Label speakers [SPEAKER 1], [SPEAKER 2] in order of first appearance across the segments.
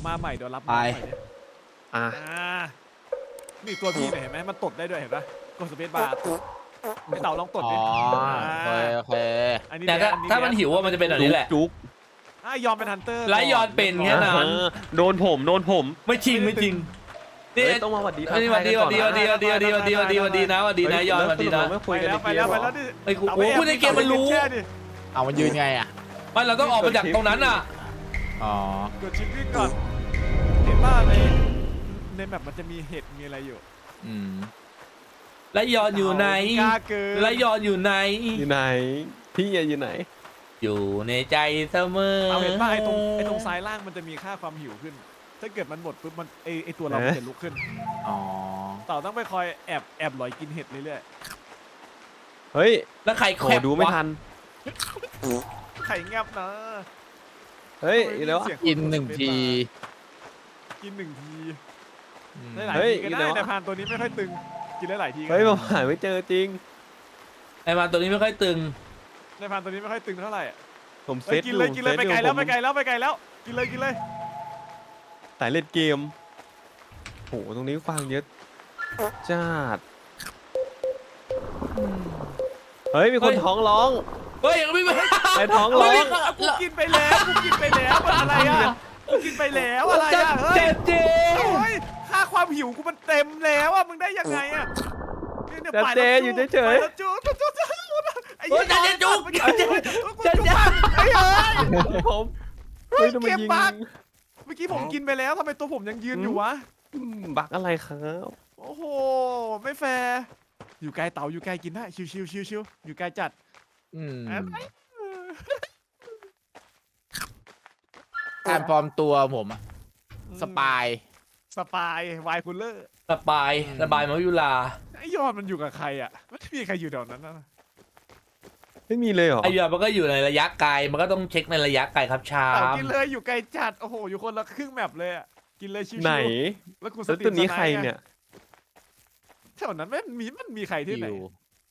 [SPEAKER 1] มาใหม่เดี๋ยวรับ
[SPEAKER 2] ไป
[SPEAKER 1] มาใหม่เนี่ย
[SPEAKER 3] อ่ะ
[SPEAKER 1] นี่ตัวพี่เนี่ยเห็นไหมมันตดได้ด้วยเห็นปะกดสเปซบาร์ไอเต่าลองตด
[SPEAKER 2] อ๋
[SPEAKER 1] ดิ
[SPEAKER 2] อโอเค
[SPEAKER 1] อันนี้
[SPEAKER 2] แต่
[SPEAKER 1] แด
[SPEAKER 2] ถ้ามันหิวว่ามันจะเป็นแบบนี้แหละ
[SPEAKER 3] จุก
[SPEAKER 1] ยอมเป็นฮันเตอร์
[SPEAKER 2] ไล่ยอนเป็นแค่นั้น
[SPEAKER 3] โดนผม
[SPEAKER 2] ไม่จริงไม่จริงนี่
[SPEAKER 3] เฮ้ยต้องมาหวัดดี
[SPEAKER 2] สวัสดีสวัสดีสวัสดีสวัสดีสวัสดีสวัสดีสวัสดีสวัสดีนะสวัสดีนะยอนสวัสดีนะ
[SPEAKER 3] ไม่คุ
[SPEAKER 1] ไป
[SPEAKER 3] ยกัน
[SPEAKER 1] แล้ว
[SPEAKER 3] ใน
[SPEAKER 1] ไป
[SPEAKER 3] เก
[SPEAKER 1] แล้ว
[SPEAKER 3] ม
[SPEAKER 1] ไป
[SPEAKER 3] เหร
[SPEAKER 1] แล้ว
[SPEAKER 3] อ
[SPEAKER 1] ดิ
[SPEAKER 2] ไอ้กูโอ้พูดในเกมมันรู้
[SPEAKER 1] แช่ดิ
[SPEAKER 4] เอามันยืนไงอ่ะ
[SPEAKER 2] ไม่เราต้องออกมาจากตรงนั้นอ่ะ
[SPEAKER 4] อ๋อ
[SPEAKER 1] กดชิปวิ่งก่อนเห็นป่ะในแมปมันจะมีเห็ดมีอะไรอยู่
[SPEAKER 4] อืม
[SPEAKER 2] ไล่ยอนอยู่ไหน
[SPEAKER 1] กล้าเกิน
[SPEAKER 2] ไล่ยอนอยู่ไหน
[SPEAKER 3] อยู่ไหนพี่อยู่ไหน
[SPEAKER 2] อยู่ในใจเสมอ
[SPEAKER 1] เอาเห็นป่ะไอ้ตรงซ้ายล่างมันจะมีค่าความหิวขึ้น ถ้าเกิดมันหมดปุ๊บมันไอตัวเรามันจะลุกขึ้น
[SPEAKER 4] อ๋อ
[SPEAKER 1] เต่าต้องไปคอยแอบหลอยกินเห็ดเรื่อย
[SPEAKER 3] เฮ้ย
[SPEAKER 2] แล้วใคร
[SPEAKER 3] โห
[SPEAKER 2] แคบ
[SPEAKER 3] ดูไม่
[SPEAKER 2] วะ
[SPEAKER 3] ทัน
[SPEAKER 1] ๆไข่แงบนะ
[SPEAKER 3] เฮ้ยอีกแล้วอะ
[SPEAKER 4] กินหนึ่งที
[SPEAKER 1] กินหนึ่งที
[SPEAKER 4] อืม
[SPEAKER 1] ได้หลาย
[SPEAKER 3] เฮ้ย
[SPEAKER 1] ทีก็
[SPEAKER 3] อีก
[SPEAKER 1] ได้
[SPEAKER 3] แล้ว
[SPEAKER 1] แต่พานตัวนี้ไม่ค่อยตึงกินได้หลายทีก็
[SPEAKER 3] เฮ้ย
[SPEAKER 1] ได้
[SPEAKER 3] ผมหาไม่เจอจริง
[SPEAKER 2] ไอ้มาตัวนี้ไม่ค่อยตึง
[SPEAKER 1] ในพานตัวนี้ไม่ค่อยตึงเท่าไหร่อะ
[SPEAKER 3] ผมเซ
[SPEAKER 1] เฮ้ย
[SPEAKER 3] ต
[SPEAKER 1] กินเลยกินเลยไปไกลแล้วไปไกล
[SPEAKER 3] ล
[SPEAKER 1] แล้วไปไกลแล้วกินเลยกินเลย
[SPEAKER 3] สายเล่นเกมโหตรงนี้ฟังเยอะจัดเฮ้ยมีคนท้องร้อง
[SPEAKER 2] เฮ้ยไม่ไม่
[SPEAKER 3] ไอ้ท้องร้อง
[SPEAKER 1] กูกินไปแล้วกูกินไปแล้วมันอะไรอ่ะกูกินไปแล้วอะไรอ่ะเฮ้ย
[SPEAKER 2] เจ๊
[SPEAKER 1] โอ้ยค่าความหิวกูมันเต็มแล้วอ่ะมึงได้ยังไงอ่ะเนี่ย
[SPEAKER 3] แต่
[SPEAKER 1] ไป
[SPEAKER 3] เจ
[SPEAKER 1] แล้ว
[SPEAKER 3] อยู่เฉย
[SPEAKER 1] ไปแล้วจู๊ไอ้
[SPEAKER 2] เฮ้ย
[SPEAKER 1] เหี้ย
[SPEAKER 2] เจ๊จุ๊บเจ๊
[SPEAKER 1] เจ๊ไอ้เฮ้ย
[SPEAKER 3] ๆผมเฮ้ยทำไมยิง
[SPEAKER 1] เกมบั๊ก เมื่อกี้ผมกินไปแล้วทำไมตัวผมยังยืนอยู่วะ
[SPEAKER 3] บักอะไรครับ
[SPEAKER 1] โอ้โหไม่แฟร์อยู่ไกลเต่าอยู่ไกลกินได้ชิวชิวชิวชิวอยู่ไกลจัด
[SPEAKER 4] อืม
[SPEAKER 1] อะไร
[SPEAKER 4] การปลอมตัวผมอะสปาย
[SPEAKER 1] สปายวายคูลเลอร์
[SPEAKER 2] สบายสบายมายุลา
[SPEAKER 1] ไอ้ยอดมันอยู่กับใครอ่ะไม่มีใครอยู่แถวนั้นนะ
[SPEAKER 3] ไม่มีเลยเหรอ
[SPEAKER 2] ไอ้ยอดมันก็อยู่ในระยะไกลมันก็ต้องเช็คในระยะไกลครับชา
[SPEAKER 1] เต่าม กินเลยอยู่ไกลจัดโอ้โหอยู่คนละครึ่งแมปเลยอ่ะกินเลยชิวๆ
[SPEAKER 3] ไหน
[SPEAKER 1] แล้วกูส
[SPEAKER 3] แล้ว
[SPEAKER 1] ติ
[SPEAKER 3] ตัวนี้
[SPEAKER 1] สไ
[SPEAKER 3] ใครเนี่ย
[SPEAKER 1] แถวนั้นมันมีใครที่ไหน
[SPEAKER 4] อยู่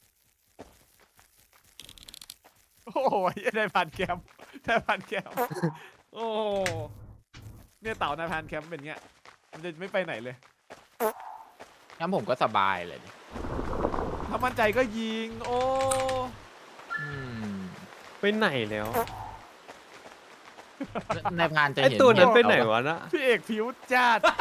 [SPEAKER 1] โอ้โหได้พันแคมป์ได้พันแคมป์โอ้โหเนี่ยเต่านายพันแคมป์เป็นเงี้ยมันจะไม่ไปไหนเลย
[SPEAKER 4] งั้นผมก็สบายเลยดิ
[SPEAKER 1] ถ้ามั่นใจก็ยิงโอ้
[SPEAKER 4] อืม
[SPEAKER 3] ไปไหนแล้ว
[SPEAKER 4] ในพานจะ
[SPEAKER 3] ไอ
[SPEAKER 4] เห็น
[SPEAKER 3] ตัวนั้น
[SPEAKER 4] เห็
[SPEAKER 3] ไปไหนวะนะ
[SPEAKER 1] พี่เอกผิวจัด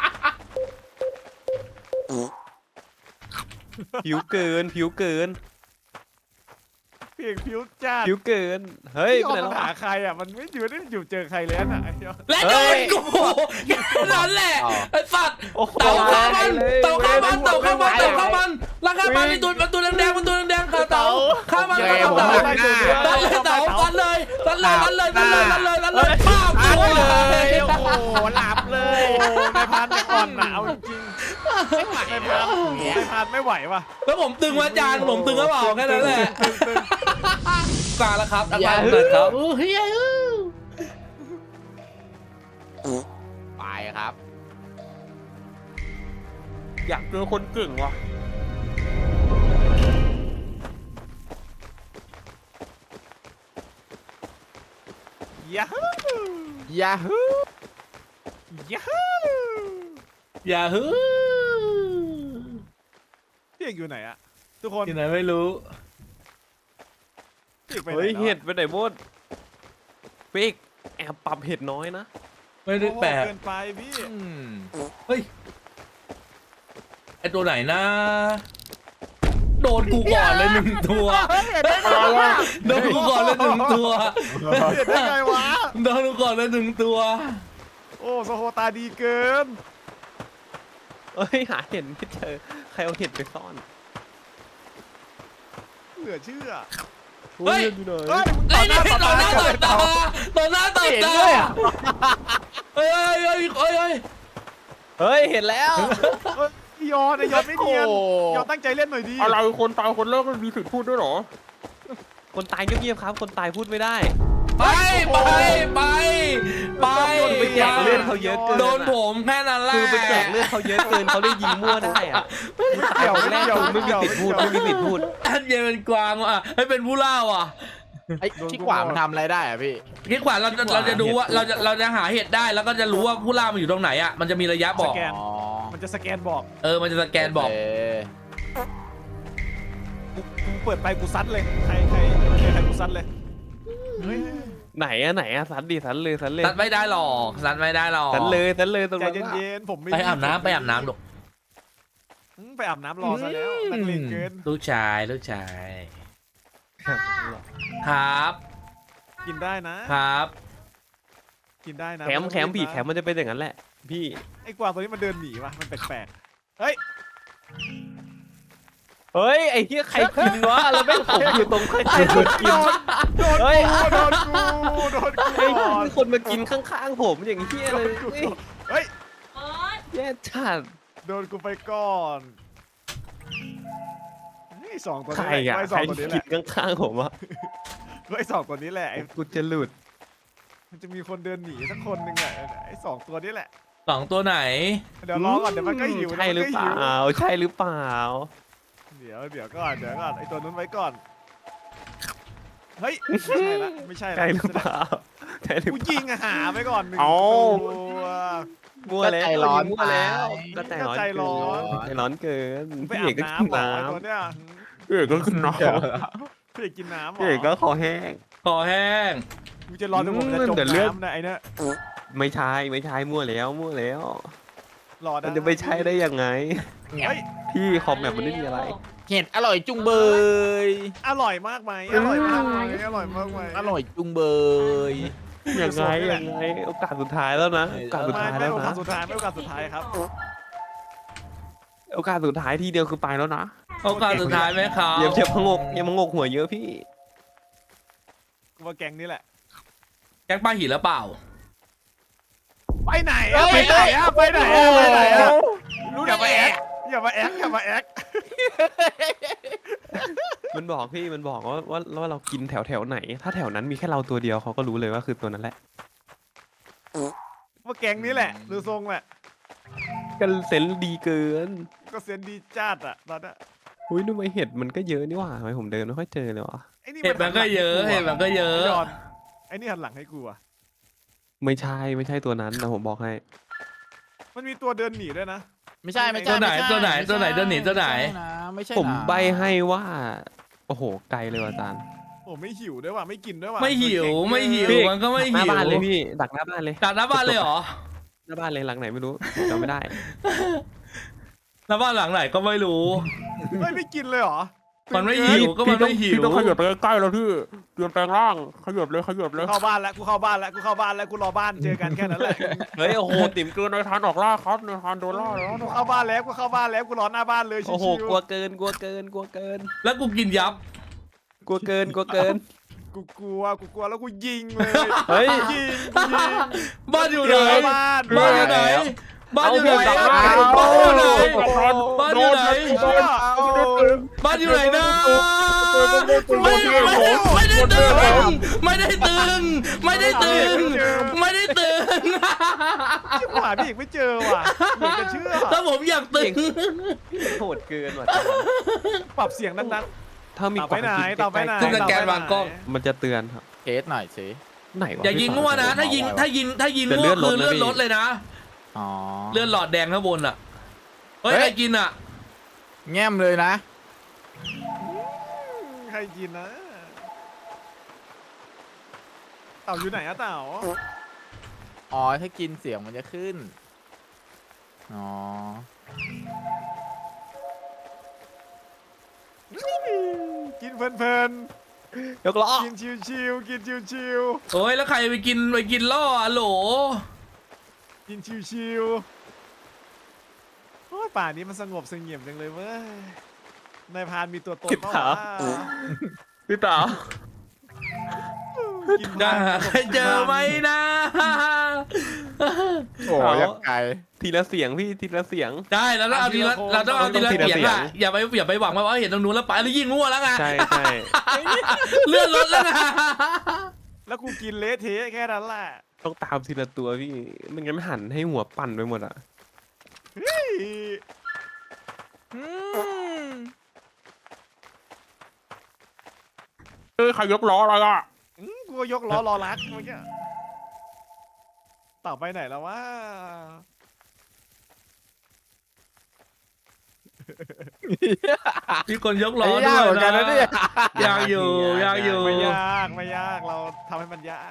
[SPEAKER 3] ผิวเกินผิวเกิน
[SPEAKER 1] พี่เอกผิวจัด
[SPEAKER 3] ผิวเกิน เฮ้ย
[SPEAKER 1] พี่
[SPEAKER 3] ไป
[SPEAKER 1] ออก
[SPEAKER 3] ไหน
[SPEAKER 1] มา
[SPEAKER 3] แล้ว
[SPEAKER 1] หาใครอ่ะมันไม่อยู่เจอใครเลยน่ะไอ้เหี้ย
[SPEAKER 2] และโดนกูแค่นั้นแหละไอ้สัตว์
[SPEAKER 3] โอ้โห
[SPEAKER 2] เต่าข้ามัน
[SPEAKER 3] เลย
[SPEAKER 2] เต่าข้ามันเต่าข้ามันเต่าข้ามันแล้วข้ามันมีตัวแดงมันตัวแดงค่ะเต่าข้ามัน
[SPEAKER 4] เย้
[SPEAKER 2] เต่า
[SPEAKER 4] ผม
[SPEAKER 2] เต่า
[SPEAKER 4] หันหน้า
[SPEAKER 2] ดันเลยเต่าดันเลยดันเลยดันเลยดันเลยดันเลยดันเลยป้าบ
[SPEAKER 1] อัด
[SPEAKER 2] เล
[SPEAKER 1] เลย
[SPEAKER 2] ย
[SPEAKER 1] โอ้โหหลับเลยโอ้ในายพันก่อนน่ะเอาจริงๆในายพันไม่ไหวว่ะ
[SPEAKER 2] แล้วผมตึงมาจานผมตึงก็เปล่าแค่นั้นแหละ
[SPEAKER 1] ตึง
[SPEAKER 2] กลางแล้วครับกลางแล้วครับ
[SPEAKER 4] ไปครับ
[SPEAKER 3] อยากเจอคนเก่งว่ะ
[SPEAKER 1] ยาฮู
[SPEAKER 4] ยาฮู
[SPEAKER 1] ยาฮู
[SPEAKER 2] อย่าฮึ
[SPEAKER 1] พี่เอกอยู่ไหนอะทุกคน
[SPEAKER 2] ที่ไหนไม่รู้
[SPEAKER 1] พี่เอกไปไหน
[SPEAKER 3] เฮ้ย
[SPEAKER 1] แล้ว
[SPEAKER 3] เห็ดไปไหนหมดเป๊กแอบปรับเห็ดน้อยนะ
[SPEAKER 2] ไม่ได้แปลก
[SPEAKER 1] เกินไปพี่
[SPEAKER 4] อืม
[SPEAKER 2] เฮ้ยไอตัวไหนนะโดนกูก่อนเลยหนึ่งตัว
[SPEAKER 1] เห็นได้ไงวะ
[SPEAKER 2] โดนกูก่อนเลยหนึ่งตัว
[SPEAKER 1] เห็นได้ไงวะ
[SPEAKER 2] โดนกูก่อนเลยหนึ่งตัว
[SPEAKER 1] โอ้โซโฮตาดีเกิน
[SPEAKER 3] เอ้ยหาเห็ดไม่เจอใครเอาเห็ดไปซ่อน
[SPEAKER 1] เหลือเชื่อ
[SPEAKER 2] เฮ้ย
[SPEAKER 3] อยู่ไหน
[SPEAKER 1] เฮ้ย
[SPEAKER 2] ไอ้นี่ต่อหน้าต่อตาต่อหน้าต่อตาเฮ้ยเฮ้ยเฮ้ยเฮ้ย
[SPEAKER 3] เฮ้ยเห็นแล้ว
[SPEAKER 1] ยอนไอยอนไม่เนียน
[SPEAKER 4] โอ้
[SPEAKER 1] ยอนตั้งใจเล่นหน่อยดี
[SPEAKER 3] อะไรคนตายคนเลิกมันมีสิทธิ์พูดด้วยเหรอ คนตายเงียบๆครับ คนตายพูดไม่ได้
[SPEAKER 2] ไปไปไปไป
[SPEAKER 3] ไปแจกเลือดเขาเยอะเกิน
[SPEAKER 2] โดนผมแค่นั้นแหละ
[SPEAKER 3] คือไปแจกเลือดเขาเยอะเกินเขาเลยยิงมั่วได้อะตายคนแรกคือไม่มีสิทธิ์พูดไม่มีสิทธิ์พูด
[SPEAKER 2] อันเย็นเป็นกวางว่ะให้เป็นผู้ล่าว่ะ
[SPEAKER 4] ไอ้ที่ขวามันทำอะไรได้อะพี่
[SPEAKER 2] คิดขวาเราจะดูว่าเราจะหาเห็ดได้แล้วก็จะรู้ว่าผู้ล่ามันอยู่ตรงไหนอ่ะมันจะมีระยะบอก
[SPEAKER 1] สแกน
[SPEAKER 4] อ๋อ
[SPEAKER 1] มันจะสแกนบอก
[SPEAKER 2] มันจะสแกนบอก
[SPEAKER 4] โเค
[SPEAKER 1] กูเปิดไปกูซัดเลยใครกูซัดเลยเฮ้ย
[SPEAKER 3] ไหนอะสันดิสันเลยสันเลย
[SPEAKER 2] ตัดไม่ได้หรอกตัดไม่ได้หรอก
[SPEAKER 3] สันเลยสันเลยตรง
[SPEAKER 1] ใจ
[SPEAKER 3] นั้นอะ
[SPEAKER 1] เย็นๆผมไม่
[SPEAKER 2] ไปอาบน้ำลูก
[SPEAKER 1] ไปอาบน้ำรอซะแล้วนักเลงเกิน
[SPEAKER 2] ลูกชายครับ
[SPEAKER 1] กินได้นะ
[SPEAKER 2] ครับ
[SPEAKER 1] กินได้นะ
[SPEAKER 3] แคมผีแคมมันจะเป็นอย่างนั้นแหละพี่
[SPEAKER 1] ไอ้กวางตัวนี้มันเดินหนีว่ะมันแปลกๆเฮ้ย
[SPEAKER 3] เฮ้ยไอ้เหี้ยใครกินวะแล้วแม่งผมอยู่ตรงใครกินคนกิน เฮ้ย
[SPEAKER 1] โดนกู
[SPEAKER 3] เฮ้ย
[SPEAKER 1] ก่อน
[SPEAKER 3] มีคนมากินข้างๆผมอย่างเหี้ย
[SPEAKER 1] โด
[SPEAKER 3] เลย
[SPEAKER 1] นกู
[SPEAKER 3] เฮ้ย
[SPEAKER 1] เฮ้ย
[SPEAKER 3] แย่จัด
[SPEAKER 1] โดนกูไปก่อนนี่สองตัว
[SPEAKER 3] ใคร
[SPEAKER 1] นี้แหละ
[SPEAKER 3] อะ
[SPEAKER 1] ไอ้ส
[SPEAKER 3] ใค
[SPEAKER 1] อ
[SPEAKER 3] รง
[SPEAKER 1] ตัวนี้แห
[SPEAKER 3] กิ
[SPEAKER 1] ละ
[SPEAKER 3] นข้างๆผมอะ
[SPEAKER 1] ไอ้สองตัวนี้แหละไอ้
[SPEAKER 3] กูจะหลุด
[SPEAKER 1] มันจะมีคนเดินหนีสักคนหนึ่งแหละไอ้สองตัวนี้แหละ
[SPEAKER 2] 2 ตัวไหน
[SPEAKER 1] เดี๋ยวรอก่อนเดี๋ยวมันก็หิว
[SPEAKER 3] ใช่หรือเปล่าใช่หรือเปล่า
[SPEAKER 1] เดี๋ยวก่อนไอ้ตัวนู้นไว้ก่อนเฮ้ยไม่ใช่ละไม่ใช่ละ
[SPEAKER 3] ใช่หรือเปล่าใช่หรือ
[SPEAKER 1] กู
[SPEAKER 3] เป
[SPEAKER 1] ยิ
[SPEAKER 3] ล่าง
[SPEAKER 1] อะหาไปก่อนหนึ่ง
[SPEAKER 3] เอา
[SPEAKER 1] ตัว
[SPEAKER 3] มั่วแล้ว
[SPEAKER 4] ก็ใจร้อน
[SPEAKER 3] มั่วแล้ว
[SPEAKER 4] ไป
[SPEAKER 3] ก็ใจร้อนเกินใจร้อนเกิน
[SPEAKER 1] ไป
[SPEAKER 3] พี่
[SPEAKER 1] อา
[SPEAKER 3] เอก
[SPEAKER 1] บ
[SPEAKER 3] ก็กิน
[SPEAKER 1] น้ำเหรอ
[SPEAKER 3] น้
[SPEAKER 1] ไอ้ตัวเนี้ย
[SPEAKER 3] ำพี่เอกก็กินน้ำ
[SPEAKER 1] พี่เอกกินน้ำเหร
[SPEAKER 3] พี่เอกก็
[SPEAKER 1] อ
[SPEAKER 3] คอแห้ง
[SPEAKER 2] คอแห้ง
[SPEAKER 1] กูจะรอจนผมจะจม
[SPEAKER 3] เดี๋ยวเลือด
[SPEAKER 1] น้ำนะไอ้เนี่ย
[SPEAKER 3] ไม่ใช่มั่วแล้ว
[SPEAKER 1] รอได้
[SPEAKER 3] มันจะไม่ใช่ได้ยังไง
[SPEAKER 1] เฮ้ย
[SPEAKER 3] พี่คอมแบบมันไม่มีอะไร
[SPEAKER 4] เห็ดอร่อยจุงเบย
[SPEAKER 1] อร่อยมากไหมอร่อยมากไหมอร่อยมากไหม
[SPEAKER 4] อร่อยจุงเบย
[SPEAKER 3] ยังไงโอกาสสุดท้ายแล้วนะโอกาสสุด
[SPEAKER 1] ไม่
[SPEAKER 3] ท้าย
[SPEAKER 1] ไม่
[SPEAKER 3] แล้ว
[SPEAKER 1] โอกา
[SPEAKER 3] นะ
[SPEAKER 1] สสุดท้ายไม่โอกาสสุดท้ายครับ
[SPEAKER 3] โอกาสสุดท้ายทีเดียวคือไปแล้วนะ
[SPEAKER 2] โอกาสสุดท้ายไหมครับ
[SPEAKER 3] อย่าพงกหัวเยอะพี่
[SPEAKER 1] กูว่าแกงนี้แหละ
[SPEAKER 2] แก๊งปลาหินแล้วเปล่า
[SPEAKER 1] ไปไหนอะไปไหนอะไปไหนอะไปไหนอะอย่ามาแอ๊กอย่ามาแอ๊ก
[SPEAKER 3] มันบอกพี่มันบอกว่าเรากินแถวไหน ถ้าแถวนั้นมีแค่เราตัวเดียวเขาก็รู้เลยว่าคือตัวนั้นแหละ
[SPEAKER 1] ว่าแกงนี้แหละดูทรงแหละ
[SPEAKER 3] กันเซนส์ดีเกิน
[SPEAKER 1] ก็เซนดีจัดอะตอนนี้
[SPEAKER 3] อุ้ยทำไมเห็ดมันก็เยอะนี่หว่าทำไมผมเดินไม่ค่อยเจอเลยวะ
[SPEAKER 1] ไอ้นี่
[SPEAKER 2] เห็ดมันก็เยอะเห็ดมันก็เยอะ
[SPEAKER 1] ไอ้ยอนไอ้นี่หันหลังให้กูอะ
[SPEAKER 3] ไม่ใช่ตัวนั้นนะผมบอกให้
[SPEAKER 1] มันมีตัวเดินหนีด้วยนะ
[SPEAKER 4] ไม่ใช่
[SPEAKER 2] ตัวไหนตัวไหนตัวไหนตัวไหนตัวไหน
[SPEAKER 4] ไม่ใช่
[SPEAKER 3] ผม
[SPEAKER 4] นะ
[SPEAKER 3] ใบให้ว่าโอ้โหไกลเลยว่ะอาจารย์
[SPEAKER 1] โอ้ไม่หิวด้วยว่ะไม่กินด้วยว่ะ
[SPEAKER 2] ไม่หิวไม่หิว
[SPEAKER 3] พี่
[SPEAKER 2] มันก็ไม่
[SPEAKER 3] หน้า
[SPEAKER 2] หิว
[SPEAKER 3] บ้านเลยพี่ดักหน้าบ้านเลย
[SPEAKER 2] จากหน้าบ้านเลยเหรอ
[SPEAKER 3] หน้าบ้านเลยหลังไหนไม่รู้จำไม่ได้
[SPEAKER 2] หน้าบ้านหลังไหนก็ไม่รู้
[SPEAKER 1] ไม่กินเลยเหรอ
[SPEAKER 2] มันไม่หิวก็มันไม่หิว
[SPEAKER 3] พี่ต้องขยับไปใกล้ๆแล้วพี่เตรียมแปลงร่างขยับเลย
[SPEAKER 1] กูเข้าบ้านแล้วกูเข้าบ้านแล้วกูรอบ้านเจอกันแค่นั้นแหละ
[SPEAKER 3] เฮ้ยโอ้โหติ๋มเกินในทานออกล่าครับในทานโดนล่าแล้ว
[SPEAKER 1] กูเข้าบ้านแล้วกูรอหน้าบ้านเลยชิ
[SPEAKER 3] โอ้โห
[SPEAKER 1] ว
[SPEAKER 3] กลัวเกิน
[SPEAKER 2] แล้วกูกินยับ
[SPEAKER 3] กลัวเกิน
[SPEAKER 1] ๆกูกลัวแล้วกูยิงเลย
[SPEAKER 3] เฮ้ย
[SPEAKER 1] ยิง
[SPEAKER 2] บ้านอยู่ไหน
[SPEAKER 1] บ้าน
[SPEAKER 2] บ้านอยู่ไหนบ้านอยู่ไหน
[SPEAKER 3] เอา
[SPEAKER 2] บ้านอยู่ไหนบ้านอยู่ไหนนะไม่ได้ตึงไม่ได้ตึง
[SPEAKER 1] ชิบหายพี่อีกไม่เจอว่ะเหมือนจะเชื่อ
[SPEAKER 2] ถ้าผมอยากตึง
[SPEAKER 3] โหดเกินว่ะ
[SPEAKER 1] ปรับเสียงดัง
[SPEAKER 3] ถ้ามี
[SPEAKER 1] ๆต่อไปไหนต่อไปไหน
[SPEAKER 2] ขึ้นสแกนวางกล้อง
[SPEAKER 3] มันจะเตือนครับ
[SPEAKER 4] เทสหน่อยสิ
[SPEAKER 3] ไหนวะ
[SPEAKER 2] อย่ายิงมั่วนะ ถ้ายิงมั่วคือเลื่อนรถเลยนะ
[SPEAKER 4] อ๋อ
[SPEAKER 2] เลื่อนหลอดแดงข้างบนอ่ะเฮ้ยใครกินอ่ะ
[SPEAKER 4] แง้มเลยนะ
[SPEAKER 1] ใครกินนะเต่าอยู่ไหนอะเต่า
[SPEAKER 4] อ๋อถ้ากินเสียงมันจะขึ้นอ๋อ
[SPEAKER 1] กินเพลิน
[SPEAKER 3] ยกล้อ
[SPEAKER 1] ๆกินชิวๆกินชิว
[SPEAKER 2] โอ้ยแล้วใครไปกินล่ออะโหล
[SPEAKER 1] ๆกินชิวๆโอ้ยป่านี้มันสงบเสงี่ยมจังเลยเว้ยนายพรานมีตัวตนเปล่าวะ
[SPEAKER 3] พี่ต๋า
[SPEAKER 1] กิน
[SPEAKER 2] จะ
[SPEAKER 1] พราน
[SPEAKER 2] หาใครเจอไหมนะ
[SPEAKER 4] โอ้ยยังไกล
[SPEAKER 3] ทีละเสียงพี่ทีละเสียง
[SPEAKER 2] ได้แล้วเราเอาทีละเราต้องเอาทีละ
[SPEAKER 3] ทีละ
[SPEAKER 2] เสียง
[SPEAKER 3] เสียง
[SPEAKER 2] อะอย่าไปหวังว่าเห็นตรงนู้นแล้วไปแล้วยิงมั่วแล้วไง
[SPEAKER 3] ใช่
[SPEAKER 2] เลื่อนรถแล้วไง
[SPEAKER 1] แล้วกูกินเละเทะแค่นั้นแหละ
[SPEAKER 3] ต้องตามทีละตัวพี่ไมันงั้นหันให้หัวปั่นไปหมดอ่ะ
[SPEAKER 4] อืม
[SPEAKER 3] ฮ้ยใครยกล้ออะไรอ่ะ
[SPEAKER 1] กูก็ยกล้อรอรักเมื่อกี้เต่าไปไหนแล้ววะ
[SPEAKER 2] มีคนยกล้
[SPEAKER 4] ไอ้
[SPEAKER 2] อด้
[SPEAKER 4] ยาก
[SPEAKER 2] วย
[SPEAKER 4] เหมือนกันนะเนี่ย
[SPEAKER 2] ยากอยู่ยากอยู่
[SPEAKER 1] ไม่ยากไม่ยากเราทำให้มันยาก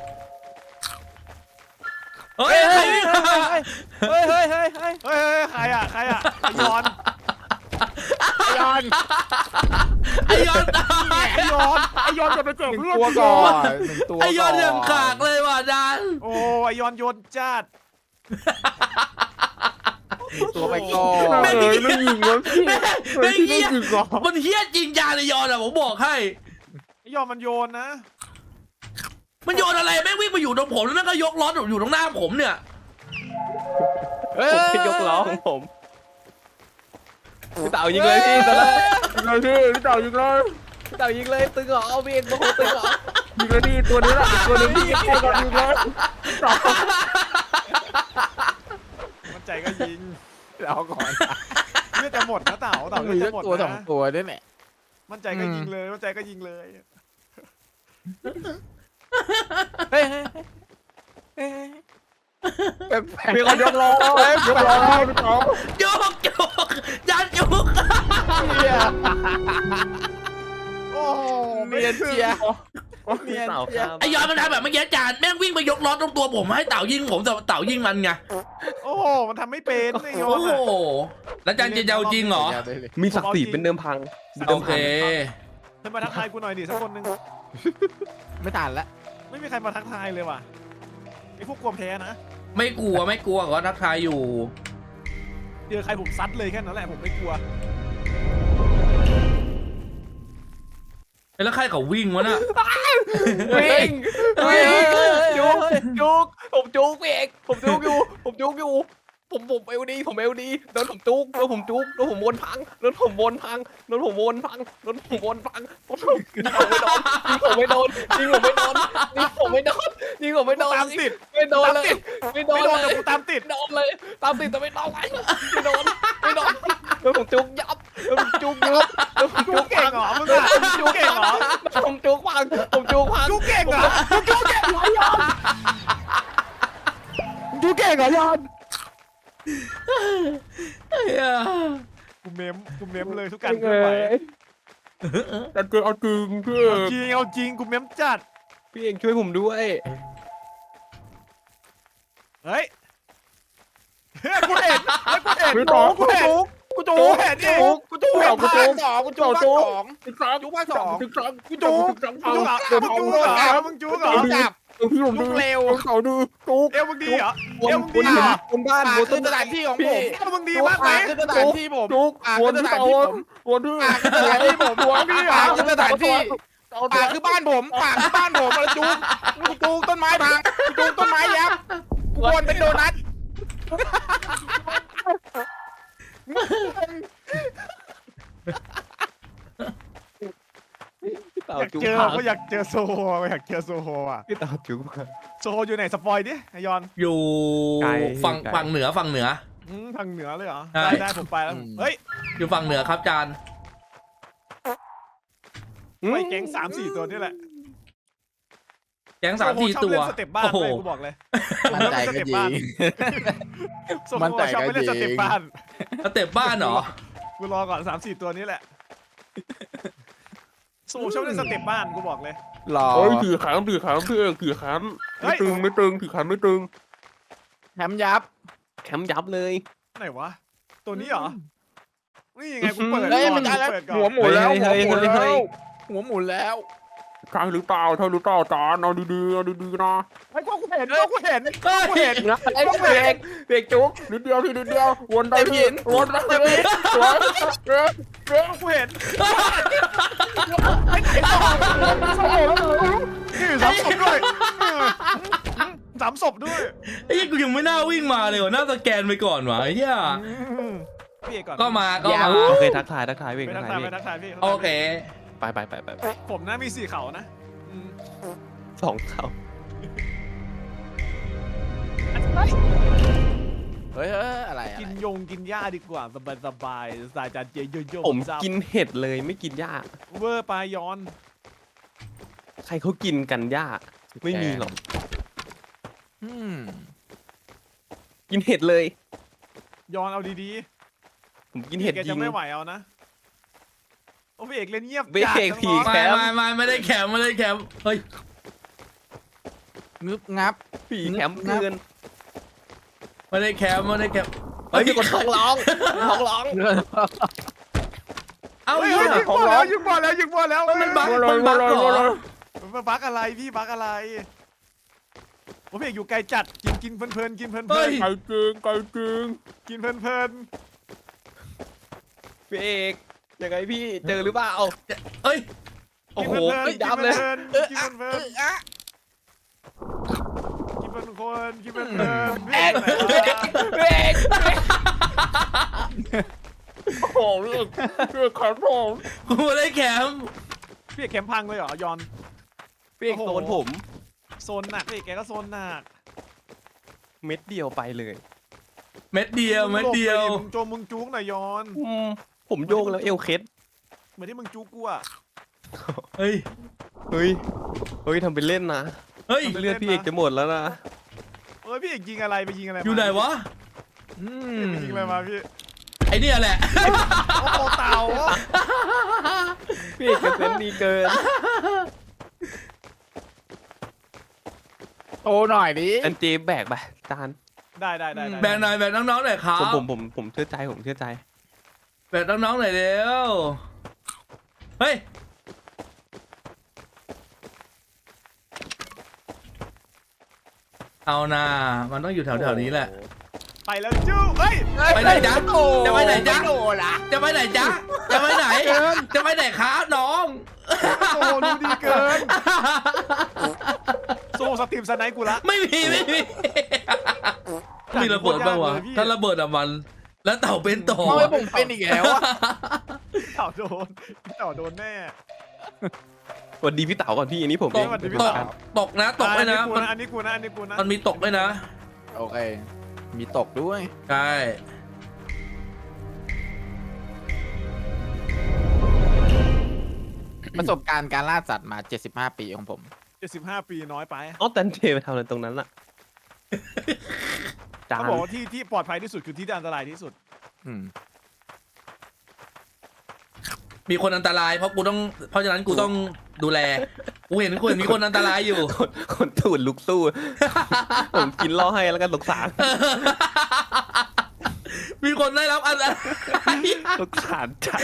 [SPEAKER 2] เฮ้ยใครวิ่งมา
[SPEAKER 4] เฮ้ยเฮ้ยเฮ้ยเฮ้ย
[SPEAKER 1] เฮ้ยใครอ่ะไอ้ยอน
[SPEAKER 4] ยอน
[SPEAKER 2] ไอยอนตาย
[SPEAKER 1] ไอ้ยอนจะไปเจอ
[SPEAKER 4] หนึ่ง
[SPEAKER 1] เพื่อน
[SPEAKER 4] ตัวก่อนหนึ่งตัว
[SPEAKER 2] ไอยอน
[SPEAKER 4] ก่
[SPEAKER 2] ยังขากเลยว่ะดัน
[SPEAKER 1] โอ้ไอ้ยอนโยนจัด
[SPEAKER 4] หนึ่งตัวไปก่อน
[SPEAKER 2] แม่ง
[SPEAKER 3] ไม่ยิงวะพี่
[SPEAKER 2] แม่ง
[SPEAKER 3] ไม่
[SPEAKER 2] เหี้ย
[SPEAKER 3] ยิงเหรอ
[SPEAKER 2] มันเฮี้ยจริงจานไอยอนอะผมบอกให้
[SPEAKER 1] ไอ้ยอนมันโยนนะ
[SPEAKER 2] มันโยนอะไรแม่งวิ่งมาอยู่ตรงผมแล้วแม่งก็ยกล้ออยู่ตรงหน้าผมเนี่ย
[SPEAKER 4] เฮ้ย
[SPEAKER 3] ผมยกล้อของผมพี่เต่ายิงเลยพี่ตอนแรกยิงเลยพี่เต่ายิงเลย
[SPEAKER 4] เต่ายิงเลยตึงเหรอเอาเบียงโอ้โหตึงเหรอ
[SPEAKER 3] ยิงเลยพี่ตัวนี้แหละตัวนึงพี่ใครก่อนยิงเลยเต่า
[SPEAKER 1] มันใจก็ยิง
[SPEAKER 4] เอาก่อน
[SPEAKER 1] เลือดจะหมดนะเต่า
[SPEAKER 4] ต้อ
[SPEAKER 1] เต่าง เลื
[SPEAKER 4] มี
[SPEAKER 1] อด
[SPEAKER 4] สั
[SPEAKER 1] จะ
[SPEAKER 4] ก
[SPEAKER 1] หมด
[SPEAKER 4] ตัวสอง
[SPEAKER 1] นะ
[SPEAKER 4] ตัวด้วยแหละ
[SPEAKER 1] มันใจก็ยิงเลยมันใจก็ยิงเลย
[SPEAKER 4] เฮ้ยเฮ้ยเฮ้ยแปลกๆ
[SPEAKER 3] มีคนยกล้อยกล้อพี่เต่า
[SPEAKER 2] โยกยันโยก
[SPEAKER 4] เนี่ย
[SPEAKER 1] โอ้โห
[SPEAKER 4] เนียนเชียร์
[SPEAKER 3] พี่เต่าครับ
[SPEAKER 2] ไอยอนมันทำแบบเมื่อกี้จานแม่งวิ่งไปยกล้อตรงตัวผมให้เต่ายิงผมแต่เต่ายิงมันไง
[SPEAKER 1] โอ้โหมันทำไม่เป็นไอ้ยอ
[SPEAKER 2] โอ้
[SPEAKER 1] น
[SPEAKER 2] โห
[SPEAKER 1] อะ
[SPEAKER 2] แล้วจานจะเอาจริงเหรอ
[SPEAKER 3] มีศักดิ์ศรีเป็นเดิมพัง
[SPEAKER 2] โอเค
[SPEAKER 1] เฮ้ยมาทักทายกูหน่อยดิสักคนหนึง
[SPEAKER 4] ไม่ทันละ
[SPEAKER 1] ไม่มีใครมาทักทายเลยว่ะไอ้พวกกลัวแพ้นะ
[SPEAKER 2] ไม่กลัวก็ทักทายอยู่
[SPEAKER 1] เจอใครผมซัดเลยแค่นั้นแหละผมไม่กลัว
[SPEAKER 2] แล้วใครเขาวิ่งวะน่ะ
[SPEAKER 3] วิ่ง
[SPEAKER 4] จุกจุกผมจุกพี่เอกผมจุกอยู่ผมจุกอยู่ผมเอวดีผมเอวดีโดนผมจุกโดนผมจุกโดนผมวนพังโดนผมวนพังโดนผมวนพังโดนผมวนพังยิงผมไม่โดนยิงผมไม่โดนยิงผมไม่โดนยิงผมไม่โดน
[SPEAKER 1] ตามติด
[SPEAKER 4] ไม่โดนเลยไม่โด
[SPEAKER 1] ไม่
[SPEAKER 4] น
[SPEAKER 1] โดน
[SPEAKER 4] เล
[SPEAKER 1] แต่
[SPEAKER 4] ย
[SPEAKER 1] กูตามติด
[SPEAKER 4] โดนเลยตามติดแต่ไม่โดนเลยไม่โดนไม่โดนโดนผมจุกยับโดนผมจุกยับโดนผม
[SPEAKER 1] จุ
[SPEAKER 4] จุ
[SPEAKER 1] ก
[SPEAKER 4] ก
[SPEAKER 1] เก่งเหรอมึงอะจุกเก่งเหรอ
[SPEAKER 4] ผมจุกพังผมจุกพัง
[SPEAKER 1] จุกเก่งเหรอจุกเก่งเหรอยอนจุกเก่งเหรอยอนกูเมมเลยทุกการเคลื่อนไหว
[SPEAKER 3] แต่เจอเอาจริงพี่
[SPEAKER 1] เอาจริงกูเมมจัด
[SPEAKER 3] พี่เองช่วยผมด้วย
[SPEAKER 1] เฮ้ยกูเห็น
[SPEAKER 3] พี่ต่อ
[SPEAKER 1] กูเห็นนี่
[SPEAKER 3] กูจูเห็นภาคสองกูจูภาคสอง
[SPEAKER 1] จุกภาคสอง
[SPEAKER 3] กูจู
[SPEAKER 1] กูจุกมึงจุกเหรอ
[SPEAKER 4] จับ
[SPEAKER 3] พี่ผมดู
[SPEAKER 4] จุกเร็ว
[SPEAKER 3] เขาดูจูก
[SPEAKER 1] เอวมึงดีเหรอ
[SPEAKER 3] วน
[SPEAKER 1] เอวมึงดีเหรอ
[SPEAKER 3] วนบ้าน
[SPEAKER 4] ป่า
[SPEAKER 3] วน
[SPEAKER 4] คือสถานที่ของผม
[SPEAKER 1] เอวมึงดีมากไหม
[SPEAKER 4] ป่าคือสถานที่ผม
[SPEAKER 3] จูก
[SPEAKER 4] ป่า
[SPEAKER 3] ว
[SPEAKER 4] คื
[SPEAKER 3] น
[SPEAKER 4] อส
[SPEAKER 3] ที่
[SPEAKER 4] ถาน
[SPEAKER 3] เตา
[SPEAKER 4] ที่ผม
[SPEAKER 3] วนที่
[SPEAKER 4] ป่าคือสถานที่ผม
[SPEAKER 1] หัวพี่เหรอ
[SPEAKER 4] ป่าคือสถานที่ป่าคือบ้านผมป่าคือบ้านผมมาจูกจูกต้นไม้พังจูกต้นไม้ยับกวนเป็นโดนัท
[SPEAKER 3] พี่เต่า
[SPEAKER 1] อยาก
[SPEAKER 3] จูก
[SPEAKER 1] เจอ
[SPEAKER 3] พัง
[SPEAKER 1] ก็อยากเจอโซโฮอยากเจอโซโฮอ่ะ
[SPEAKER 3] พี่เต่าจูกพัง
[SPEAKER 1] โซโฮอยู่ไหนสปอยดิไอยอน
[SPEAKER 2] อยู่
[SPEAKER 3] ไกล
[SPEAKER 2] ฝั่ง
[SPEAKER 3] ไกล
[SPEAKER 2] ฝั่งเหนือ
[SPEAKER 1] ทางเหนือเลยเหรอ
[SPEAKER 2] ใช่
[SPEAKER 1] ได้ผมไปแล้วเฮ้ย
[SPEAKER 2] อยู่ฝั่งเหนือครับจาน
[SPEAKER 1] ไปแก๊ง3-4 ตัวนี่แหละ
[SPEAKER 2] แก๊ง3-4 ตัว
[SPEAKER 1] โซโฮชอบเล่นสเต็ปบ้าน
[SPEAKER 2] โอ้โห
[SPEAKER 1] เลยกูบอกเลย
[SPEAKER 4] มั่นใจก็ยิง
[SPEAKER 1] โซโฮ
[SPEAKER 4] มั่นใจ
[SPEAKER 1] ชอบ
[SPEAKER 4] ก็
[SPEAKER 1] ไปเล่น
[SPEAKER 4] ยิ
[SPEAKER 1] ส
[SPEAKER 4] ง
[SPEAKER 1] เต็ปบ้าน
[SPEAKER 2] สเต็ปบ้านเหรอ
[SPEAKER 1] กูรอก่อน3-4 ตัวนี้แหละโซโฮชอบเล่นสเต็ปบ้านกูบอกเลย
[SPEAKER 4] รอ
[SPEAKER 3] เฮ้ยถือขันพี่เอกถือขัน
[SPEAKER 1] เฮ้
[SPEAKER 3] ไม่
[SPEAKER 1] ย
[SPEAKER 3] ตึงไม่ตึงถือขันไม่ตึง
[SPEAKER 4] แถมยับ
[SPEAKER 3] แคมยับเลย
[SPEAKER 1] ไหนวะตัวนี้เหรอนี่ยังไงกูเปิด
[SPEAKER 4] เฮ้ย
[SPEAKER 1] ก่อน
[SPEAKER 4] ไม่ได้แล้ว
[SPEAKER 1] เปิดก่อน
[SPEAKER 4] หัวหมุนแล้ว
[SPEAKER 3] เฮ้ย
[SPEAKER 4] หัวหมุน
[SPEAKER 3] เฮ้
[SPEAKER 4] แล้
[SPEAKER 3] ย
[SPEAKER 4] วหัวหมุนแล้ว
[SPEAKER 3] ใช่หรือเปล่าจานเอาดีๆเอาดีๆนะ
[SPEAKER 1] ไอ้กูเห็นกูเห็น
[SPEAKER 3] นะไอ้เด็กจุ๊กนิดเดียวทีนิดเดียววนได้พี่วนได้พี่
[SPEAKER 1] กูเห็นนี่สามศพด้วยสามศพด้วย
[SPEAKER 2] ไอ้เหี้ยกูยังไม่น่าวิ่งมาเลยว่ะน่าสแกนไปก่อนวะไอ้เหี้ย
[SPEAKER 1] พี่เอกก่อน
[SPEAKER 2] ก็มา
[SPEAKER 3] โอเคทักทายวิ่ง
[SPEAKER 1] ไป
[SPEAKER 3] ทั
[SPEAKER 1] ทั
[SPEAKER 3] ก
[SPEAKER 1] ก
[SPEAKER 3] ทา
[SPEAKER 1] ทาย ย
[SPEAKER 3] วิ่
[SPEAKER 1] ไป
[SPEAKER 3] ง
[SPEAKER 1] ทักทายพี่
[SPEAKER 2] โอเค
[SPEAKER 3] ไป
[SPEAKER 1] ผมนะมี4 เขานะอืม
[SPEAKER 3] สองเขา
[SPEAKER 4] เฮ้ยอะไร
[SPEAKER 1] กินกินหญ้าดีกว่าสบายสายจานเจโยโย่
[SPEAKER 3] ผมกินเห็ดเลยไม่กินหญ้า
[SPEAKER 1] เวอร์ปลายอน
[SPEAKER 3] ใครเขากินกันหญ้าไม่มีหรอก
[SPEAKER 4] อืม
[SPEAKER 3] กินเห็ดเลย
[SPEAKER 1] ยอนเอาดี
[SPEAKER 3] ผมกิ
[SPEAKER 1] ๆ
[SPEAKER 3] นเห็ด
[SPEAKER 1] แก
[SPEAKER 3] ยิ
[SPEAKER 1] จะ
[SPEAKER 3] ง
[SPEAKER 1] ไม่ไหวเอานะโอ้พี่เอกเล่นเงียบ
[SPEAKER 3] พี่
[SPEAKER 1] จัด
[SPEAKER 3] เอก
[SPEAKER 1] น้อง
[SPEAKER 3] ผี
[SPEAKER 1] ๆ
[SPEAKER 3] แคมป์
[SPEAKER 2] ไม่ได้แคมไม่ได้แคมเฮ้ย
[SPEAKER 4] งึบงับ
[SPEAKER 3] ผีแคมป์เกิน
[SPEAKER 2] ไม่ได้แคมไม่ได้แคม
[SPEAKER 3] เฮ้ยมีคนท้องร้องท้องร้อง
[SPEAKER 2] เอ้า
[SPEAKER 1] เฮ้ย
[SPEAKER 2] เหี้ย
[SPEAKER 1] ยิงบอลแล้วยิงบอลแล้วยิงบอลแล้ว
[SPEAKER 2] มันบั๊กเหรอ
[SPEAKER 1] มันบั๊กอะไรพี่บั๊กอะไรโอ้พี่เอกอยู่ไกลจัดกินเพลินๆกินเพลิน
[SPEAKER 2] เฮ้ย
[SPEAKER 1] ๆ
[SPEAKER 3] ไก่จริงไก่จริง
[SPEAKER 1] กินเพลิน
[SPEAKER 3] พี่เอกยังไงพี่เจอหรือเปล่า
[SPEAKER 2] เอ้ย
[SPEAKER 1] ๆ
[SPEAKER 3] โอ้โห
[SPEAKER 1] กิน
[SPEAKER 3] ยับเลย
[SPEAKER 1] กินเพลินๆกินเพลินๆกินคนกินเพลินๆ
[SPEAKER 3] เอกเอกโอ้โหพี่เอกขอโทษ
[SPEAKER 2] กูไม่ได้แคม
[SPEAKER 1] พี่เอกแคมป์พังเลยเหรอยอน
[SPEAKER 3] พี่เอกโดนผม
[SPEAKER 1] โซนหนักพี่เอกแกก็โซนหนัก
[SPEAKER 3] เม็ดเดียวไปเลย
[SPEAKER 2] เม็ดเดียวเม็ดเดียว
[SPEAKER 1] มึงโจมมึงจุกหน่อยยอน
[SPEAKER 3] ผมโยกแล้วเอวเคล็ด
[SPEAKER 1] เหมือนที่มึงจุกกูอะ
[SPEAKER 2] เฮ้ย
[SPEAKER 3] เฮ้ยเฮ้ยทำเป็นเล่นนะ
[SPEAKER 2] เฮ้ย
[SPEAKER 3] เลือดพี่เอกจะหมดแล้วนะ
[SPEAKER 1] เอ้ยพี่เอกยิงอะไรไปยิงอะไรมา
[SPEAKER 2] อยู่ไหนวะ
[SPEAKER 4] อืม
[SPEAKER 1] ไปยิงอะไรมาพี่
[SPEAKER 2] ไอเนี่ยแหละ
[SPEAKER 1] โอ้โหเต่า
[SPEAKER 3] พี่เอกจะเซนดีเกิน
[SPEAKER 4] โตหน่อยดิ
[SPEAKER 3] อันเจแบกไปจาน
[SPEAKER 1] ได้
[SPEAKER 2] แบ่งหน่อยแบ่งน้องๆหน่อยครับ
[SPEAKER 3] ผมเชื่อใจผมเชื่อใจ
[SPEAKER 2] แบ่งน้องๆหน่อยเร็วเฮ้ย เอานามันต้องอยู่แถวๆนี้แหละ
[SPEAKER 1] ไปแล้วจู้เฮ้ย
[SPEAKER 2] ไปไหนจ๊ะจะไปไหนจ๊ะ
[SPEAKER 4] ม่โดนละ
[SPEAKER 2] จะไปไหนจ๊ะจะไปไหน จะไปไหนครับน้อง
[SPEAKER 1] โอ้โหดูดีเกินโซ่สตรีมสไนป์กูละ
[SPEAKER 2] ไม่มีมีระเบิดบ้างวะถ้าระเบิดอะมัน แล้วเต่าเป็นต่อ
[SPEAKER 4] ทำไมผมเป็นอีกแล้วอะ
[SPEAKER 1] เต่าโดนเต่าโดนแน่
[SPEAKER 3] สวัสดีพี่เต๋าก่อนพี่อันนี้ผม
[SPEAKER 2] ต
[SPEAKER 3] เอก ง
[SPEAKER 2] ตกนะตกเลยนะ
[SPEAKER 1] อันนี้กูนะ
[SPEAKER 2] มันมีตกด้วยนะ
[SPEAKER 4] โอเค มีตกด้วย
[SPEAKER 2] ใช่
[SPEAKER 4] ประสบการณ์การล่าสัตว์มา 75 ปีของผม
[SPEAKER 1] 75 ปีน้อยไป
[SPEAKER 3] อ๋อแต่เจไปทำอะไรตรงนั้นล่ะจา
[SPEAKER 1] เขา
[SPEAKER 3] น
[SPEAKER 1] บอกว่าที่ปลอดภัยที่สุดคือที่ที่อันตรายที่สุด
[SPEAKER 4] อืม
[SPEAKER 2] มีคนอันตรายเพราะฉะนั้นกูต้องดูแลกูเห็นมีคนอันตรายอยู่
[SPEAKER 3] คนตูดลุกสู้ ผมกินล่อให้แล้วกันสงสาร
[SPEAKER 2] มีคนได้รับอันตราย
[SPEAKER 3] สงสารจัด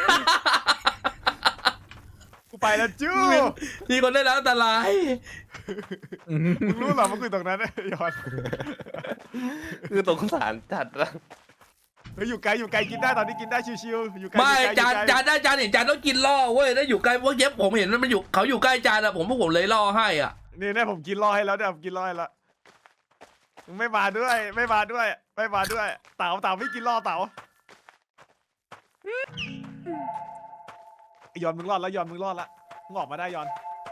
[SPEAKER 1] กูไปแล้วจู้
[SPEAKER 2] มีคนได้รับอันตราย
[SPEAKER 1] มึงรู้เหรอมันคือตรงนั้นยอน
[SPEAKER 3] คือสงสารจัดนะ
[SPEAKER 1] เฮ้ยอยู่ไกลกินได้ตอนนี้กินได้ชิวๆอยู่ไกล
[SPEAKER 2] ไม่
[SPEAKER 1] อยู่ไกล
[SPEAKER 2] จานเห็นจานต้องกินล่อเว้ยถ้าอยู่ใกล้พวกเย็บผมเห็นมันอยู่เขาอยู่ใกล้จานอะพวกผมเลยล่อให้อ่ะ
[SPEAKER 1] นี่ผมกินรอให้แล้วผมกินรอให้แล้วมึงไม่มาด้วยเต่าไม่กินรอเต่ายอนมึงรอดแล้วมึงออกมาได้ยอน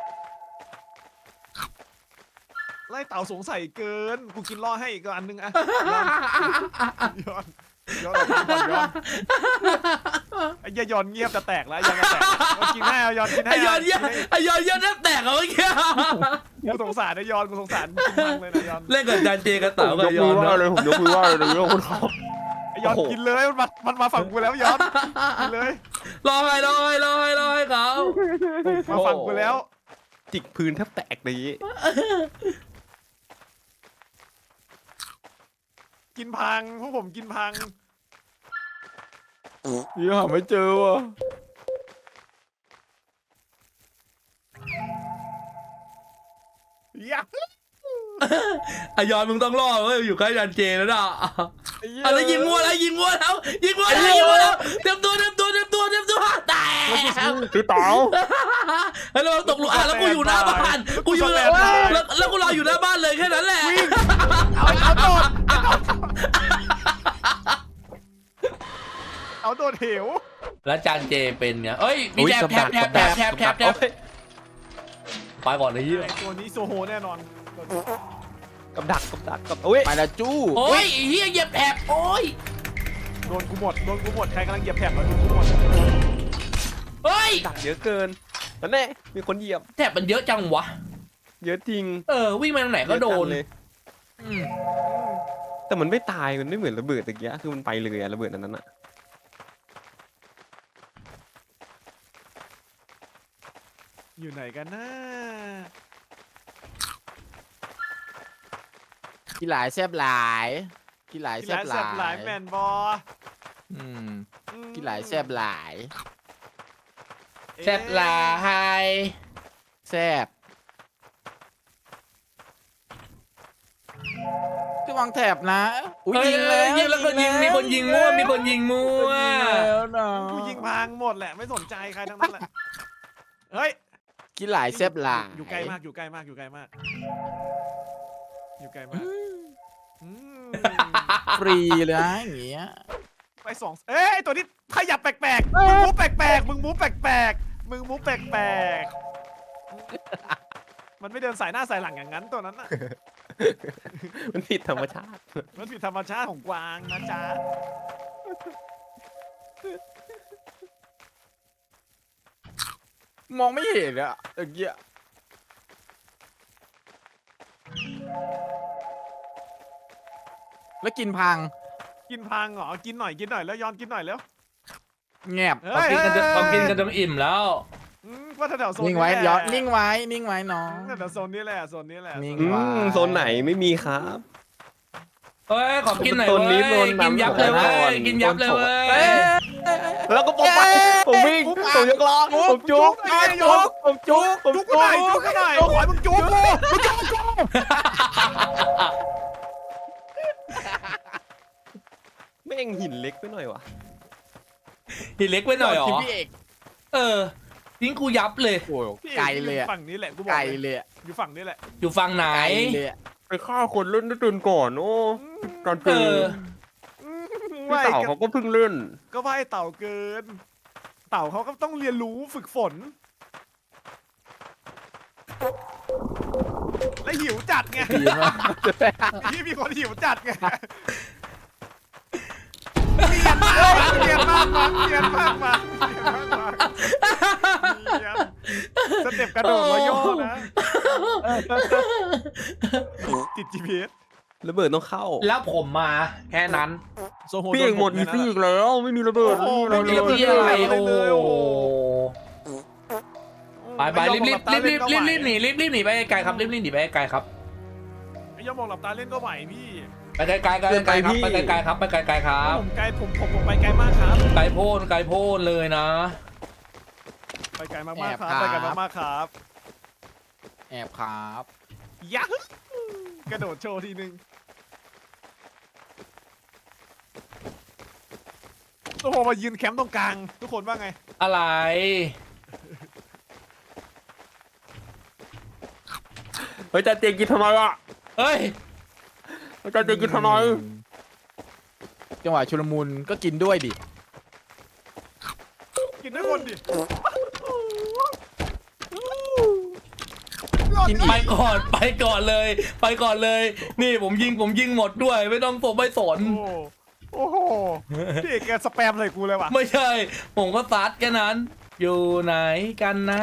[SPEAKER 1] ไล่เต่าสงสัยเกินกูกินรอให้อีกอันนึงอะยอนออกมาก่อนยอนไอ้ยอนเงียบจะแตกแล้วยอนจะแตกกินให้เอายอนกินให้
[SPEAKER 2] ไอยอนเยอะแทบแตกอะเมื่อกี้
[SPEAKER 1] กูสงสารนะยอนกูสงสารกินมากเลยนะยอน
[SPEAKER 2] เล่นกับจานเจกับเต๋ากับยอนนะ
[SPEAKER 3] ผมยกมือไหว้เลยยกมือเขา
[SPEAKER 1] ไอ้ยอนกินเลยมันมาฝั่งกูแล้วยอนกินเลย
[SPEAKER 2] รอให้เขา
[SPEAKER 1] มาฝั่งกูแล้ว
[SPEAKER 3] จิกพื้นแทบแตกเลย
[SPEAKER 1] กินพังพวกผมกินพัง
[SPEAKER 3] ยังหาไม่เจอว่ะ
[SPEAKER 1] ยะ
[SPEAKER 2] ไอยอนมึงต้องรอเว้ยอยู่ใกล้จานเจแล้วนะอะไรยิงมัวแล้วเตรียมตัวแตก
[SPEAKER 3] คือเต๋า
[SPEAKER 2] แล้วเราตกหลุมแล้วกูอยู่หน้าบ้านกูอยู่แล้วกูรออยู่หน้าบ้านเลยแค่นั้นแหละ
[SPEAKER 1] เอาโดดเหว
[SPEAKER 2] แล้วจานเจเป็นเนี่ยเอ้ยมีแทบไปก่อนเลยยี่
[SPEAKER 1] ไอ้ตัวนี้โซโฮแน่นอน
[SPEAKER 3] กับดักโอ้ย
[SPEAKER 4] ไปแล้วจู้
[SPEAKER 2] โอ้ยเฮียเหยียบแถบโอ้ย
[SPEAKER 1] โดนกูหมดใครกำลังเหยียบแถบแล้วโดนกูหมด
[SPEAKER 2] เฮ้ย
[SPEAKER 3] ดักเยอะเกินนั่นแน่มีคนเหยียบ
[SPEAKER 2] แถบมันเยอะจังวะ
[SPEAKER 3] เยอะจริง
[SPEAKER 2] วิ่งไปทางไหนก็โดน
[SPEAKER 3] เยอะจังเลย แต่มันไม่ตายมันไม่เหมือนระเบิดตะกี้คือมันไปเลยอะระเบิดอันนั้นอะ
[SPEAKER 1] อยู่ไหนกันนะ
[SPEAKER 5] กินหลายแซบหลายกินหลาย
[SPEAKER 1] ที่
[SPEAKER 5] แซ
[SPEAKER 1] ร้า
[SPEAKER 5] บ
[SPEAKER 1] น
[SPEAKER 5] ห
[SPEAKER 1] แซ่บหลา
[SPEAKER 5] ลาย ย
[SPEAKER 1] แมนบอ
[SPEAKER 5] อืม
[SPEAKER 1] อืม
[SPEAKER 5] กินหลายแซบหลาย
[SPEAKER 2] แซบหลาย
[SPEAKER 5] แซบจะวางแถบนะอุ้ยยิงแล้ว
[SPEAKER 2] ยิงแล้วก็ยิงมีคนยิงมั่วมีคนยิงมั่ว
[SPEAKER 5] ยิงแล้วนะ
[SPEAKER 1] กูยิงพังหมดแหละไม่สนใจใครทั้งนั้นแหละเฮ้ย
[SPEAKER 5] กินหลายแซบหลาย
[SPEAKER 1] อยู่ไกลมากอยู่ไกลมากอยู่ไกลมากอยู่ไกลมากอืม
[SPEAKER 5] ฟรีเลยนะอย่างเงี้ย
[SPEAKER 1] ไปสองเอ้ยตัวนี้ขยับแปลกๆมึงมูฟแปลกๆมึงมูฟแปลกๆมึงมูฟแปลกๆมันไม่เดินสายหน้าสายหลังอย่างนั้นตัวนั้นน่ะ
[SPEAKER 3] มันผิดธรรมชาติ
[SPEAKER 1] มันผิดธรรมชาติของกวางนะจ๊ะ
[SPEAKER 5] มองไม่เห็นอะอย่างเงี้ยแล้วกินพัง
[SPEAKER 1] กินพังเหรอกินหน่อยแล้วย้อนกินหน่อยแล้ว
[SPEAKER 5] แงบ
[SPEAKER 1] เฮ้ย
[SPEAKER 2] เขากินกันจนอิ่มแล้ว
[SPEAKER 1] ว่าแถวๆโซน
[SPEAKER 5] นิ่งไว้
[SPEAKER 1] แหละ
[SPEAKER 5] ย้อนนิ่งไว้นิ่งไว้น้อง
[SPEAKER 1] แถวๆโซนนี้แหละโซนนี้แหละ
[SPEAKER 5] นิ่ง
[SPEAKER 3] โซนไหนไม่มีครับ
[SPEAKER 2] เฮ้ยขอกินหน่อย
[SPEAKER 3] โซนนี้
[SPEAKER 2] เว้ย
[SPEAKER 3] โดน
[SPEAKER 2] กินยับเลย
[SPEAKER 3] น้ำ
[SPEAKER 2] เว้
[SPEAKER 3] ก่อน
[SPEAKER 2] ยกินยับเลยเว้ย
[SPEAKER 3] แล้วก็ผมไปผมวิ่งผมยกล้อผมจุกผมจุกผม
[SPEAKER 1] จุกกูหน่อยจุกกูหน่อยขอให้มึงจุกกูมึงจุกกู
[SPEAKER 3] แม่งหินเล็กไปหน่อยวะ
[SPEAKER 2] หินเล็กไปหน่อยเหรอ
[SPEAKER 5] ที่พี่เอก
[SPEAKER 2] ทิ้งกูยับเลย
[SPEAKER 5] โอ้ย
[SPEAKER 1] พี่
[SPEAKER 5] ไกล
[SPEAKER 1] อก
[SPEAKER 5] เลยอะ
[SPEAKER 1] ฝั่งนี้แหละกูบอก
[SPEAKER 5] ไกล
[SPEAKER 1] เลย
[SPEAKER 5] เลยอะ
[SPEAKER 1] อยู่ฝั่งนี้แหละ
[SPEAKER 2] อยู่ฝั่งไหน
[SPEAKER 5] ไกลเลยอะ
[SPEAKER 3] ไปฆ่าคนเล่นได้ตื่นก่อนโอ้ตอน
[SPEAKER 2] เอ
[SPEAKER 3] เจอ
[SPEAKER 2] อ
[SPEAKER 3] พี่เต่าเขาก็เพิ่งเล่น
[SPEAKER 1] ก็ว่าไอ้เต่าเกิน เต่าเขาก็ต้องเรียนรู้ฝึกฝน และหิวจัดไง
[SPEAKER 5] ดีมาก
[SPEAKER 1] ที่มีคนหิวจัดไงเรียนมากมาเรียนมากมาสเต็ปกระโดดรอยย่อนะติด GPS
[SPEAKER 3] ระเบิดต้องเข้า
[SPEAKER 2] แล้วผมมาแค่นั้น
[SPEAKER 1] โซโฮ
[SPEAKER 3] พี่เอกหมดอีซี่อีกแล้วไม่มีระเบิด
[SPEAKER 1] โอ้โห
[SPEAKER 3] ไม่มี
[SPEAKER 1] ไม่
[SPEAKER 3] อะไร
[SPEAKER 1] มี
[SPEAKER 3] เลย
[SPEAKER 2] เรียบร้อยโอ้โหไป
[SPEAKER 1] ไม่
[SPEAKER 2] รีบหนีรีบหนีไปไกลครับรีบหนีไปไกลครับ
[SPEAKER 1] ไม่ยอมมองหลับตาเล่นก็ไหวพี่
[SPEAKER 2] ไปไกลๆครับไปไกลๆครับไปไกลๆครับ
[SPEAKER 1] ผมไกลผมไปไกลมากครับ
[SPEAKER 2] ไกลโพ้นเลยนะ
[SPEAKER 1] ไปไกลมากๆครับไปไกลมากๆครับ
[SPEAKER 5] แอบครับ
[SPEAKER 1] ยักกระโดดโชว์ทีนึงโอ้โหมายืนแคมป์ตรงกลางทุกคนว่าไง
[SPEAKER 2] อะไร
[SPEAKER 3] เฮ้ยจะเจกินทำไมอ่ะ
[SPEAKER 2] เฮ้ย
[SPEAKER 3] จะเจกินทำไม
[SPEAKER 5] จังหวะชุลมุนก็กินด้วยดิ
[SPEAKER 1] กินด้วยคนดิ
[SPEAKER 5] กินอีก
[SPEAKER 2] ไปก่อนเลย นี่ผมยิงหมดด้วยไม่ต้องผมไม่สน
[SPEAKER 1] โอ้โหพี่เอกแกสแปมใส่กูเลยว่ะ
[SPEAKER 2] ไม่ใช่ ผมก็ซัดแค่นั้น อยู่ไหนกันนะ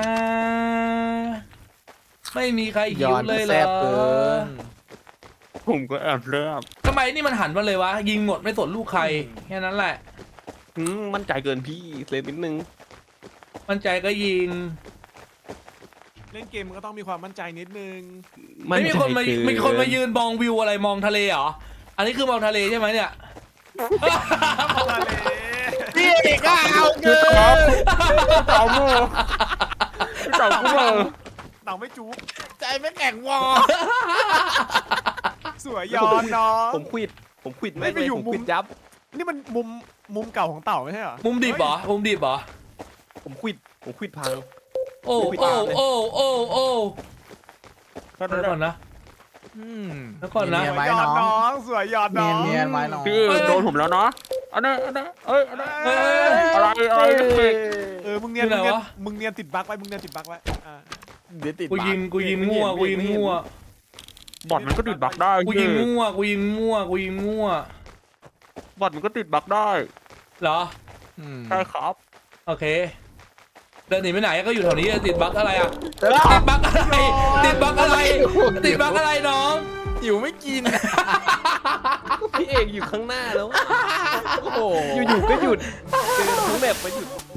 [SPEAKER 2] ไม่มีใครหิ
[SPEAKER 5] ย้
[SPEAKER 2] ว
[SPEAKER 5] อน
[SPEAKER 2] เลยเห
[SPEAKER 5] แซ
[SPEAKER 2] ร
[SPEAKER 5] บเกิ
[SPEAKER 2] อน
[SPEAKER 3] ผมก็แอบเลือบ
[SPEAKER 2] ทำไมนี่มันหันมาเลยวะ ยิงหมดไม่สนลูกใครแค่นั้นแหละ
[SPEAKER 3] มั่นใจเกินพี่เลนนิดนึง
[SPEAKER 2] มั่นใจก็ยิง
[SPEAKER 1] เล่นเกมมันก็ต้องมีความมั่นใจนิดนึง
[SPEAKER 2] ไม่มีคนมายืนมองวิวอะไรมองทะเลเหรอ อันนี้คือมองทะเลใช่ไหมเนี่ย
[SPEAKER 1] มาเลย
[SPEAKER 5] พี่เอกก็เอาเกิน
[SPEAKER 3] เต่าโม่เต่ากูเลย
[SPEAKER 1] เต่าไม่จุ๊บ
[SPEAKER 5] ใจไม่แข็งวอ
[SPEAKER 1] สวยย้อนน้อง
[SPEAKER 3] ผมควิดผมควิด
[SPEAKER 1] ไม่ไปอยู่
[SPEAKER 3] ผม
[SPEAKER 1] มุ
[SPEAKER 3] ควิ
[SPEAKER 1] ม
[SPEAKER 3] ดยับ
[SPEAKER 1] นี่มันมุมเก่าของเต่าไม่ใช่เหรอ
[SPEAKER 2] มุมดิบเหรอ มุมดิบเหรอ
[SPEAKER 3] ผมควิดพัง
[SPEAKER 2] โอ้
[SPEAKER 3] ไม่
[SPEAKER 2] โอ้
[SPEAKER 3] ผิดตามเลย
[SPEAKER 2] โอ้แล้วก่อนนะ แล้วก่อนนะ
[SPEAKER 5] เนียน
[SPEAKER 1] ส
[SPEAKER 5] ไว้
[SPEAKER 1] วยย้อน
[SPEAKER 5] น้
[SPEAKER 1] น้
[SPEAKER 5] อ
[SPEAKER 1] อง งสวยย้อนน้อง
[SPEAKER 5] เนียนไว้น้อง
[SPEAKER 3] พี่โดนผมแล้วเนาะอันนั้นเอ้ยอันนั้น
[SPEAKER 2] เอ้ย
[SPEAKER 3] อะไรพี่
[SPEAKER 1] มึงเนียน
[SPEAKER 2] ที่ไหนวะ
[SPEAKER 1] มึงเนียนติดบั๊กไว้มึงเนียนติดบั๊กไว้อ่า
[SPEAKER 5] เดี๋ยวติด
[SPEAKER 2] กูยิงมั่ว
[SPEAKER 3] บอทมันก็ติดบั๊กได้
[SPEAKER 2] กูยิงมั่ว
[SPEAKER 3] บอทมันก็ติดบั๊กได้
[SPEAKER 2] เหรอ
[SPEAKER 5] อืม
[SPEAKER 3] ใช่ครับ
[SPEAKER 2] โอเคเดินหนีไปไหนก็อยู่แถวนี้ติดบั๊กอะไรอ่ะติดบั๊กอะไรติดบั๊กอะไรติดบั๊กอะไรน้อง
[SPEAKER 5] หิวไม่กิน
[SPEAKER 4] พี่เอกอยู่ข้างหน้าแล้ว
[SPEAKER 5] โอ้โห
[SPEAKER 4] อยู่ๆก็หยุดเดินทั้งแบบไปหยุด